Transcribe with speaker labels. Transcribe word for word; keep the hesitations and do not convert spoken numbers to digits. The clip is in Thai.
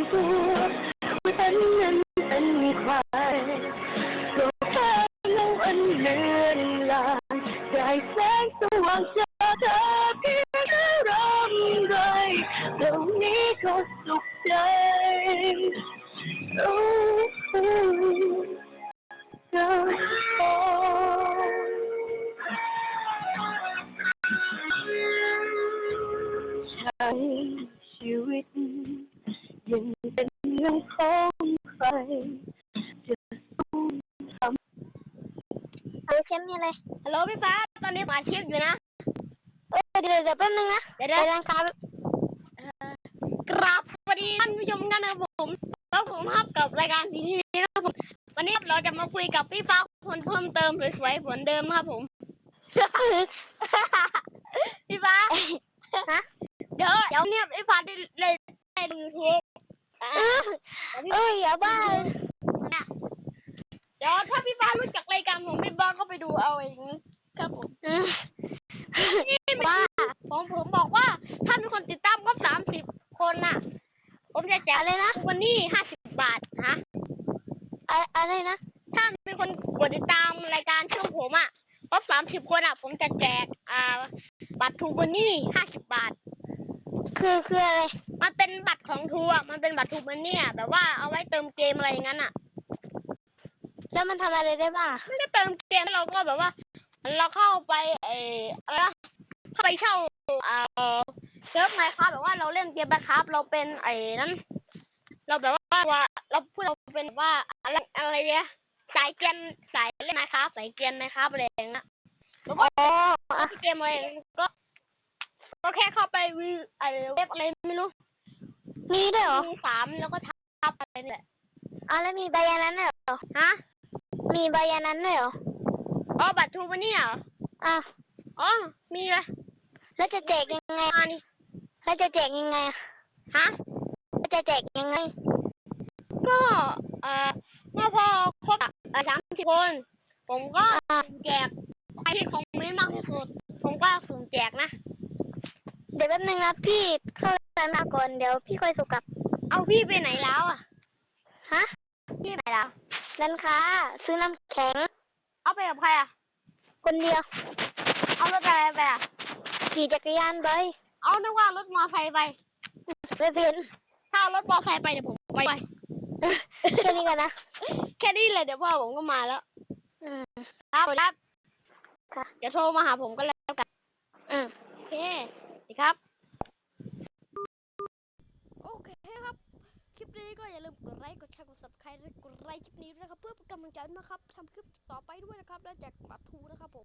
Speaker 1: ตัวว่าฉันนั้นเป็นใครโลกแค่เล่าอันเลือนลางได้แสงสว่างจากเธอเพียงแค่รำไรตรงนี้ก็สุขใจโอ้โหเธอโอ้ใช้ชีวิตยังเป็นเรื่องของใครจะสู้ทำ
Speaker 2: เออเชมมีอะไรฮัลโหลพี่ฟ้าตอนนี้ผมอัดคลิปอยู่นะเออเดี๋ยวเดี๋ยวแป๊บนึงนะเดี๋ยวเดี๋ยวครับกราบสวัสดีท่านผู้ชมกันนะครับผมแล้วผมฮับกับรายการทีทีนะครับผมวันนี้เราจะมาคุยกับพี่ฟ้าคนเพิ่มเติมสวยๆเหมือนเดิมครับผมพี่ฟ้าฮะเดี๋ยวเดี๋ยวเนี่ยพี่ฟ้าได้เลยได้ดูยูทูบเอออย่าบ้าเดี๋ยวถ้าพี่ฟ้ารู้จักรายการผมพี่ฟ้าก็ไปดูเอาเองครับผมนี่ว่าผมผมบอกว่าถ้ามีคนติดตามก็สามสิบคนน่ะผมจะแจกอะไรนะวันนี้ห้าสิบบาทฮะอะไรนะถ้ามีคนกดติดตามรายการช่องผมอ่ะก็สามสิบคนอ่ะผมจะแจกอ่าบัตรทูวันนี้ห้าสิบบาทคือคืออะไรมันเป็นบัตรของทัวร์มันเป็นบัตรทูมันเนี่ยแบบว่าเอาไว้เติมเกมอะไรอย่างนั้นอ่ะแล้วมันทำอะไรได้บ้างไม่ได้เติมเกมเราก็แบบว่าเราเข้าไปเอออะไรนะเข้าไปเช่าเอ่อเซิร์ฟไมค์ครับแบบว่าเราเล่นเกมนะครับเราเป็นไอ้นั้นเราแบบว่าเราพูดเราเป็นว่าอะไรอะไรเนี่ยสายเกมสายเล่นไมค์ครับสายเกมนะครับอะไรอย่างเงี้ยแล้วก็เกมอะไรก็ก็แค่เข้าไปวิวไอ้เว็บอะไรไม่รู้มีด้วยเหรอมีสามแล้วก็ทับอะไรนี่แหละอ๋อแล้วมีใบยันนั้นเหรอฮะมีใบยันนั้นด้วยเหรออ๋อบัตรทูมันนี่เหรออ่ะอ๋อมีเลยแล้วจะแจกยังไงอ่านี่แล้วจะแจกยังไงฮะแล้วจะแจกยังไงก็เอ่อเมื่อพอครบอ่ะสามสิบคนผมก็แจกใครที่ของไม่มากที่สุดผมก็สุ่มแจกนะเดี๋ยวแป๊บนึงนะพี่เข้าร้านมาก่อนเดี๋ยวพี่ค่อยสุกลับเอาพี่ไปไหนแล้วอ่ะฮะพี่ไหนแล้วร้านค้าซื้อน้ำแข็งเอาไปกับใครอ่ะคนเดียวเอารถอะไรไปอ่ะขี่จักรยานไปเอานึกว่ารถมอไซค์ไปไม่เป็นถ้าเอารถมอไซค์ไปเดี๋ยวผมไปแค่นี้กันนะแค่นี้เลยเดี๋ยวพ่อผมก็มาแล้วอืมครับครับเดี๋ยวโทรมาหาผมก็แล้วกันอืมโอเคดีครับ
Speaker 3: โอเคครับคลิปนี้ก็อย่าลืมกดไลค์กดแชร์กด ซับสไครบ์ และกดไลค์คลิปนี้ด้วยนะครับเพื่อเป็นกำลังใจนะครับทำคลิปต่อไปด้วยนะครับและแจกบัตรทูนะครับผม